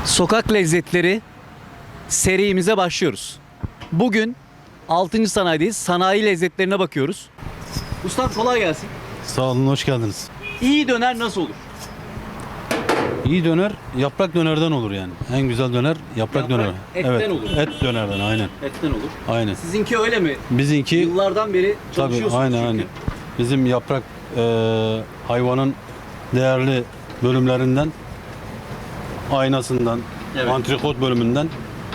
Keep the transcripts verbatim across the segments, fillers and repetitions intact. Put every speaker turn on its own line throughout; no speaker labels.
Sokak lezzetleri serimize başlıyoruz. Bugün altıncı sanayideyiz. Sanayi lezzetlerine bakıyoruz. Ustam kolay gelsin.
Sağ olun, hoş geldiniz.
İyi döner nasıl olur?
İyi döner, yaprak dönerden olur yani. En güzel döner yaprak,
Yaprak
döner.
etten
evet,
olur.
Et dönerden, aynen.
Etten olur.
Aynen.
Sizinki öyle mi?
Bizimki
Yıllardan beri
tabii
çalışıyorsunuz
aynen
çünkü.
aynen. Bizim yaprak e, hayvanın değerli bölümlerinden, aynasından,
Evet.
antrikot bölümünden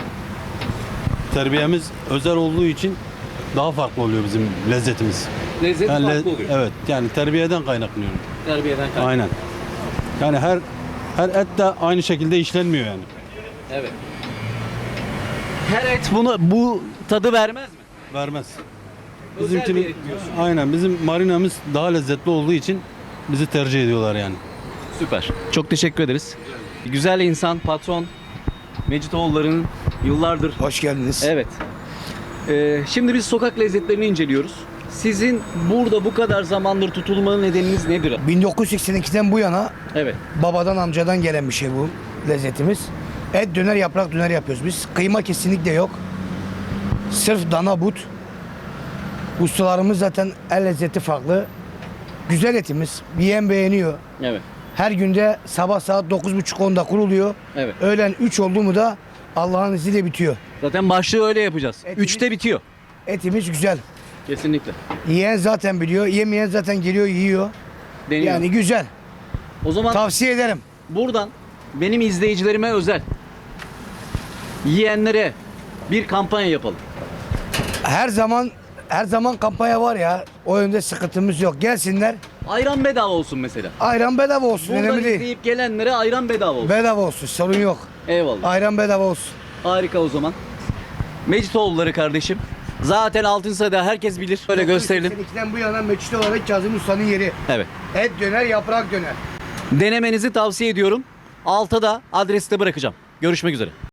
terbiyemiz özel olduğu için daha farklı oluyor bizim lezzetimiz.
Lezzeti
Yani le-
farklı oluyor.
Evet, yani terbiyeden kaynaklanıyor.
Terbiyeden kaynaklı.
Aynen. Yani her her et de aynı şekilde işlenmiyor yani.
Evet. Her et bunu bu tadı vermez mi?
Vermez.
Özel bir
Bizimkinin
et diyorsun.
aynen bizim marinamız daha lezzetli olduğu için bizi tercih ediyorlar yani.
Süper. Çok teşekkür ederiz. Güzel insan, patron Mecitoğulları'nın yıllardır.
Hoş geldiniz.
Evet. Ee, şimdi biz sokak lezzetlerini inceliyoruz. Sizin burada bu kadar zamandır tutulmanın nedeniniz nedir?
bin dokuz yüz seksen ikiden bu yana
Evet.
babadan amcadan gelen bir şey bu lezzetimiz. Et döner, yaprak döner yapıyoruz biz. Kıyma kesinlikle yok. Sırf dana but. Ustalarımız zaten el lezzeti farklı. Güzel etimiz. Yiyen beğeniyor.
Evet.
Her günde sabah saat dokuz buçuk onda kuruluyor.
Evet.
Öğlen üç oldu mu da Allah'ın izniyle bitiyor.
Zaten başlığı öyle yapacağız.
Etimiz-
Üçte bitiyor.
Etimiz güzel.
Kesinlikle.
Yiyen zaten biliyor. Yemeyen zaten geliyor yiyor.
Deniyor.
Yani güzel.
o zaman
Tavsiye ederim.
buradan benim izleyicilerime özel yiyenlere bir kampanya yapalım.
Her zaman her zaman kampanya var ya. O yönde sıkıntımız yok. Gelsinler.
Ayran bedava olsun mesela.
Ayran bedava olsun.
Buradan
Önemli değil.
izleyip gelenlere ayran bedava olsun.
Bedava olsun. Sorun yok.
Eyvallah.
Ayran bedava olsun.
Harika o zaman. Mecitoğulları kardeşim. Zaten altın sırada herkes bilir. Böyle gösterelim.
seksen ikiden bu yana Meçhul olarak Kazım Usta'nın yeri.
Evet.
Et döner, yaprak döner.
Denemenizi tavsiye ediyorum. Alta da adresi de bırakacağım. Görüşmek üzere.